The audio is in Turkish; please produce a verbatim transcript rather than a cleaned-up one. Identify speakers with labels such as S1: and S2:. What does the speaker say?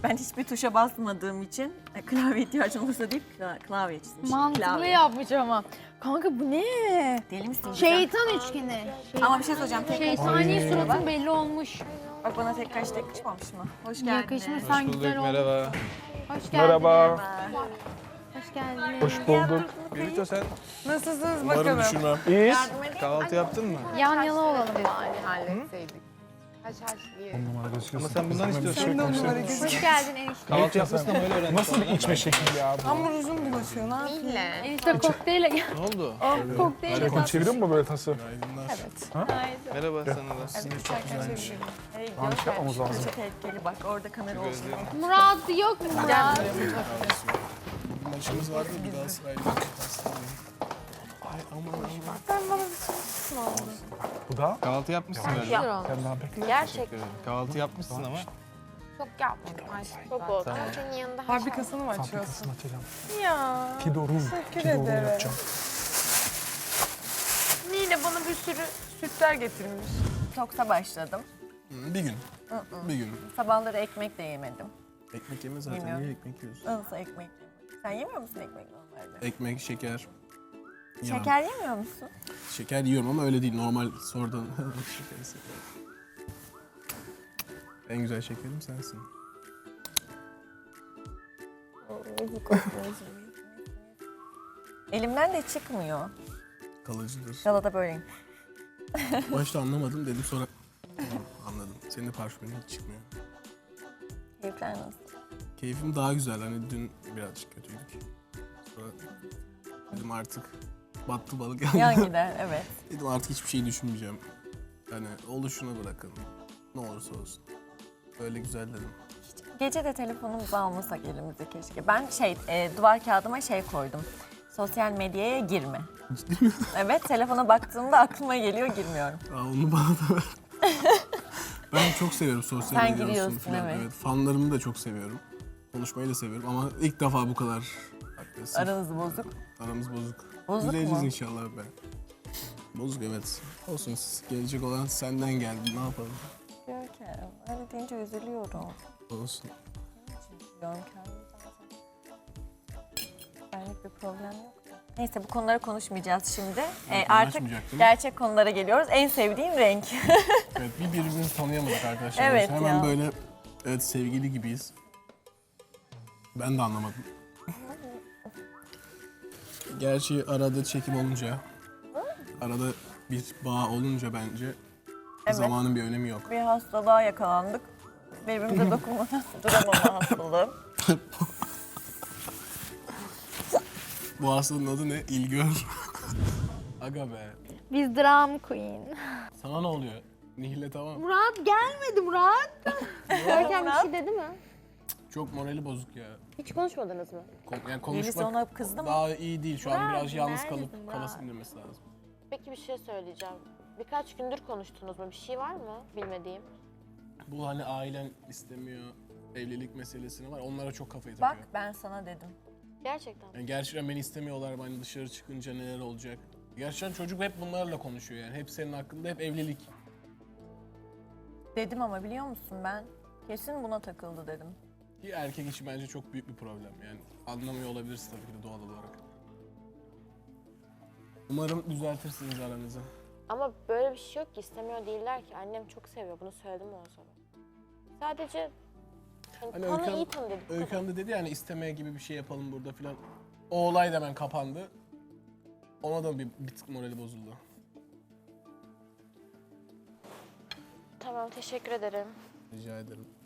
S1: Ben hiçbir tuşa basmadığım için e, klavye ihtiyacım olursa deyip kla klavye çizmiş.
S2: Mantıklı
S1: Klavye.
S2: yapmış ama. Kanka bu ne?
S1: Deli misin?
S2: Şeytan üçgeni.
S1: Ama bir şey söyleyeceğim. Tek
S2: Şeytani suratın belli olmuş.
S1: Bak bana tek kaç tek yakışmamış mı? Hoş geldin.
S2: Yakışmış, sen güzel oldun.
S3: Merhaba.
S2: Hoş geldin.
S4: Merhaba.
S2: Hoş geldin.
S4: Hoş bulduk.
S3: Birito sen
S1: Nasılsınız
S3: umarım
S1: bakalım?
S3: düşürmem.
S4: İyiyiz.
S3: Kahvaltı yaptın mı?
S2: Yan yana olalım bari.
S5: Halletseydik. Haşhaş diye.
S3: Ama sen bundan istiyorsun.
S4: Sen de onlara
S2: Hoş geldin enişte.
S3: Kahvaltı yapmışsın ama öyle öğrendim.
S4: Nasıl bir içme şekli ya bu?
S5: Hamur uzun bulaşıyor, ne yapayım?
S6: Nihle.
S2: Enişte kokteyle gel.
S3: Ne oldu?
S2: Kokteyle
S4: Telefon çeviriyor mu böyle tası?
S3: Günaydınlar.
S5: Evet.
S3: Merhaba sana da.
S1: Hey,
S4: Tamam, şey yapmamız lazım.
S1: Köşe tehlikeli bak orada kamera olsun.
S2: Murat yok mu Murat?
S3: Maçımız vardı bir daha sırayla. Ay aman aman.
S4: Bu da.
S3: Kahvaltı yapmışsın galiba.
S4: Sen daha bekle.
S6: Gerçekten
S3: Kahvaltı yapmışsın ama.
S6: çok yapmadım aşkım. Çok oldu. Ama senin yanında haşhaş.
S5: Fabrikasını mı açıyorsun?
S4: Fabrikasını açacağım.
S5: Ya.
S4: Kidorum.
S5: Teşekkür
S4: Kidorum
S5: ederim.
S4: yapacağım.
S5: Nile bana bir sürü sütler getirmiş.
S1: Toksa başladım.
S3: Bir gün. Bir gün.
S1: Sabahları ekmek de yemedim.
S3: Ekmek yeme zaten.
S1: Yemiyorum.
S3: Niye ekmek yiyorsun?
S1: Nasıl ekmek yemedim? Sen yemiyor musun ekmek normalde?
S3: Ekmek, şeker. Yalan.
S1: Şeker yemiyor musun?
S3: Şeker yiyorum ama öyle değil. Normal sonradan şeker seviyorum. En güzel şekerim sensin.
S1: Elimden de çıkmıyor.
S3: Kalıcıdır.
S1: Galada böyleyim.
S3: Başta anlamadım dedim sonra anladım. Senin de parfümün hiç çıkmıyor.
S1: Keyifler nasıl?
S3: Keyfim daha güzel. Hani dün birazcık kötüydük. Sonra dedim artık battı balık.
S1: Yan gider, evet.
S3: Dedim artık hiçbir şey düşünmeyeceğim. Yani oluşuna bırakın. Ne olursa olsun. Öyle güzel dedim.
S1: Gece de telefonumuzu almasak elimize keşke. Ben şey, e, duvar kağıdıma şey koydum. Sosyal medyaya girme.
S3: Ciddi mi?
S1: Evet, telefona baktığımda aklıma geliyor, girmiyorum.
S3: Aa, onu bana da ver. Ben çok seviyorum sosyal
S1: Sen
S3: medya olsun
S1: giriyorsun,
S3: filan.
S1: evet.
S3: Fanlarımı da çok seviyorum. Konuşmayı da seviyorum ama ilk defa bu kadar agresif.
S1: Aranız bozuk.
S3: Aramız bozuk.
S1: Bozuk
S3: Düzeleceğiz
S1: mu?
S3: inşallah be. Bozuk evet. Olsun gelecek olan senden geldi. Ne yapalım?
S1: Görkem, öyle deyince üzülüyorum.
S3: Olsun.
S1: Görkem zaten. Benlik bir problem yok. Neyse bu konuları konuşmayacağız şimdi. Ee, artık
S3: konuşmayacaktık.
S1: gerçek konulara geliyoruz. En sevdiğim renk.
S3: Evet bir birbirimizi tanıyamadık arkadaşlar.
S1: Evet
S3: Hemen
S1: ya.
S3: böyle evet sevgili gibiyiz. Ben de anlamadım. Gerçi arada çekim olunca, arada bir bağ olunca bence
S1: Evet.
S3: zamanın bir önemi yok.
S1: Bir hastalığa yakalandık. Birbirimize dokunmadan duramama hastalığı.
S3: Bu hastalığın adı ne? İlgör. Aga be.
S2: Biz dram queen.
S3: Sana ne oluyor? Nihle tamam.
S2: Murat gelmedi Murat. Görkem bir şey dedi mi?
S3: Çok morali bozuk ya.
S6: Hiç konuşmadınız mı?
S3: Kon- yani
S1: Yelisi
S3: konuşmak
S1: ona kızdı mı?
S3: daha iyi değil. Şu an
S6: Murat,
S3: biraz yalnız
S6: neredesin
S3: kalıp
S6: Murat?
S3: kafası dinlemesi lazım.
S6: Peki bir şey söyleyeceğim. Birkaç gündür konuştunuz mu? Bir şey var mı bilmediğim?
S3: Bu hani ailen istemiyor, evlilik meselesini var. Onlara çok kafayı
S1: Bak
S3: takıyor.
S1: ben sana dedim.
S6: Gerçekten.
S3: Yani gerçekten beni istemiyorlar. Hani dışarı çıkınca neler olacak? Gerçekten çocuk hep bunlarla konuşuyor yani. Hep senin hakkında, hep evlilik.
S1: Dedim ama biliyor musun ben kesin buna takıldı dedim.
S3: Ki erkek için bence çok büyük bir problem. Yani anlamıyor olabilirsin tabii ki de doğal olarak. Umarım düzeltirsiniz aranızı.
S6: Ama böyle bir şey yok ki. İstemiyor değiller ki. Annem çok seviyor. Bunu söyledim o zaman. Sadece hani
S3: Hani
S6: tanı
S3: Öykü
S6: iyi tanı dedik. bu kadar.
S3: Öykü Hanım da dedi yani istemeye gibi bir şey yapalım burada filan. O olay da hemen kapandı. Ona da bir, bir tık morali bozuldu.
S6: Tamam teşekkür ederim.
S3: Rica ederim.